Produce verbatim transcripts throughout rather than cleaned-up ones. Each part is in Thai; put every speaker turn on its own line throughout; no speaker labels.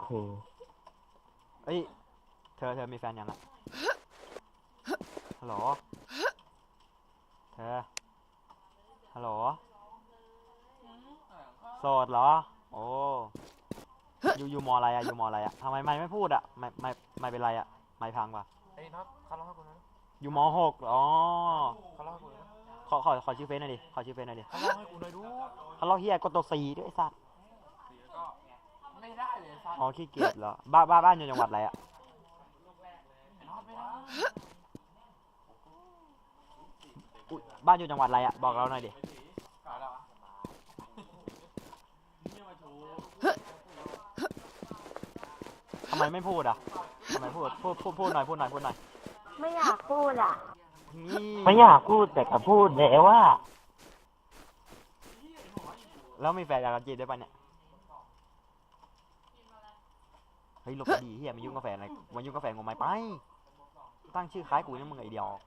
โห
เอ้ยเธอเธอมีแฟนยังอะฮัลโหลเธอฮัลโหลโสดเหรอโอ้อยู่อยู่มออะไรอะอยู่มออะไรอะทำไมไม่ไม่พูดอะไม่ไม่ไม่เป็นไรอะไม่พังปะ
ไอ้น็อตเขาเล่าให้กูนะ
อยู่มหกอ๋อ
เขาเล่าให้กูนะ
ขอขอขอชื่อเฟซหน่อยดิขอชื่อเฟซหน่อยดิ
เขาเล่าให้กูหน่อยดู
ฮัลโหลเฮียกดตัวซีด้วยไอ้สัส
ก็ไม่ได้เลยซัน
อ๋อขี้เกียจเหรอบ้านบ้านบ้านอยู่จังหวัดอะไรอะ
น็อตไม่ได้
อุ๊ยบ้านอยู่จังหวัดอะไรอะบอกเราหน่อยดิทำไมไม่พูดอะทำไมพูดพูดพูดพูดหน่อยพูดหน่อยพูดหน่อย
ไม่อยากพูดอ่ะ
นี่
ไม่อยากพูดแต่ก็พูดแล้วว่า
แล้วมีแฟนอยากจะจีบได้ปะเนี่ยเฮ้ยหลบดีเฮียมายุ่งกับแฟนอะไรมายุ่งกับแฟนกูไหมไปตั้งชื่อคล้ายกูนี่มึงไอเดียว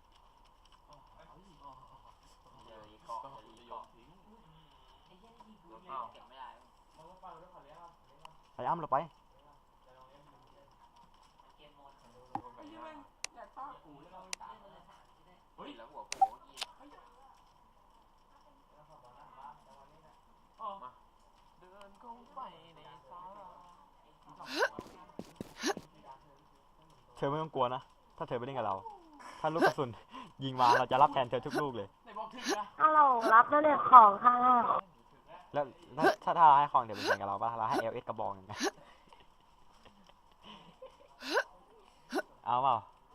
ไปอ้ำเราไปเธอไม่ต้องกลัวนะถ้าเธอไปเล่นกับเราถ้าลูกกระสุนยิงมาเราจะรับแทนเธอทุกลูกเลย
ถ้าเรารับแล้วเนี่ยของค่ะ
แล้วถ้าถ้าให้ของเดี๋ยวเป็นแฟนกับเราป่ะเราให้เอลเอสกระบอกอย่างเงี้ยเอาเปล่า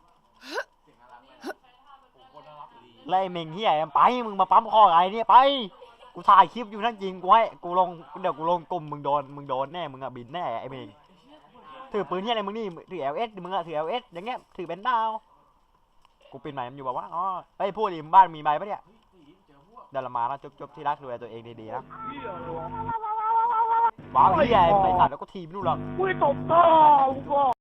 ไล่เมงเฮียไปมึงมาปั๊มคอไงเนี่ยไปกูถ่ายคลิปอยู่นั่นจริงกูให้กูลงเดี๋ยวกูลงกลุ่มมึงโดนมึงโดนแน่มึงอะบินแน่ไอ้เมงถือปืนเฮียอะไรมึงนี่ถือเอลเอสมึงอะถือเอลเอสอย่างเงี้ยถือเป็นดาวกูปิดใหม่มันอยู่แบบว่าอ๋อไอ้พูดดิบ้านมีใบปะเนี่ยเดี๋ยวเรามาแล้วจบๆที่รักดูแลตัวเองดีๆนะว้าวเฮียไอ้สัตว์แล้วก็ทีมนู่นหรอ
อุ้ยตบตา